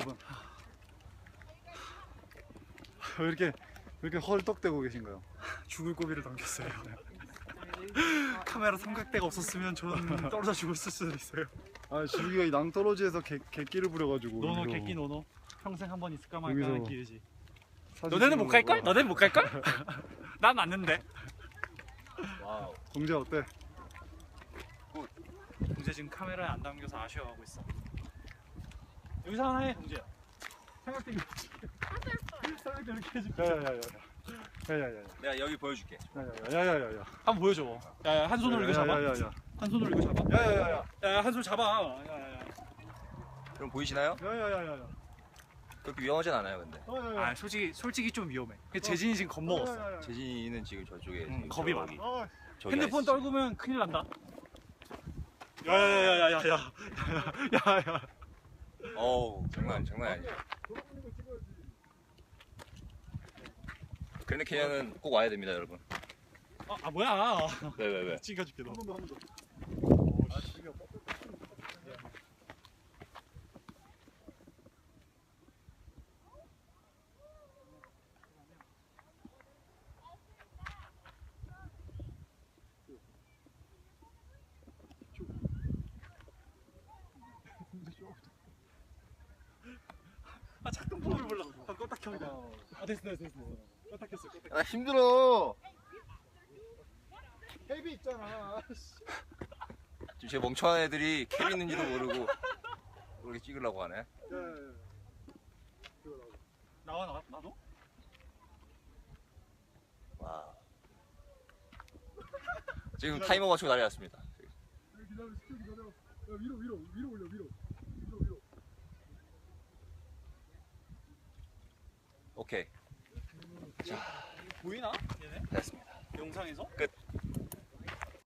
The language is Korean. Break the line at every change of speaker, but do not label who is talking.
여러분. 왜 이렇게 헐떡대고 계신가요?
죽을 고비를 넘겼어요. 카메라 삼각대가 없었으면 저는 떨어져 죽었을 수도 있어요.
아, 지우기가 이 낭떠러지에서 객기를 부려가지고.
노노
여기서
객기 노노. 평생 한 번 있을까 말까
여기서
하는 기회지.
사진
너네는 못 갈걸?
찍으려고.
너네는 못 갈걸? 난 맞는데.
와우.
동재 어때?
동재 지금 카메라에 안 담겨서 아쉬워하고 있어. 여기서 하나 해, 동재야. 삼각대 이렇게 삼각대 이렇게 해줄게.
야야야야.
내가 여기 보여줄게.
야야야야야.
한번 보여줘. 야야, 한 손으로 이거 잡아.
야야야야.
한 손으로 이거 잡아.
야야야야.
야, 한 손 잡아. 야야야.
그럼 보이시나요?
야야야야야.
그렇게 위험하진 않아요, 근데.
아, 솔직히 좀 위험해. 재진이 지금 겁먹었어.
재진이는 지금 저쪽에. 지금
겁이
저기,
많아.
저기
핸드폰
아시죠?
떨구면 큰일 난다. 야야야야야야. 야야.
어우, 장난 아니지. 그랜드 캐년은 꼭 와야 됩니다, 여러분.
아 뭐야?
왜?
찍어줄게 너. 아 작동법을 몰라. 아 껐다 켜니다. 아 됐어. 껐다 켰어.
아, 힘들어.
헤비 있잖아.
지금 제 멍청한 애들이 캡 있는지도 모르고 그렇게 찍으려고 하네.
나도?
와. 지금 타이머 맞추고 난리 났습니다.
위로 올려.
오케이.
보이나? 얘네?
됐습니다.
영상에서?
끝.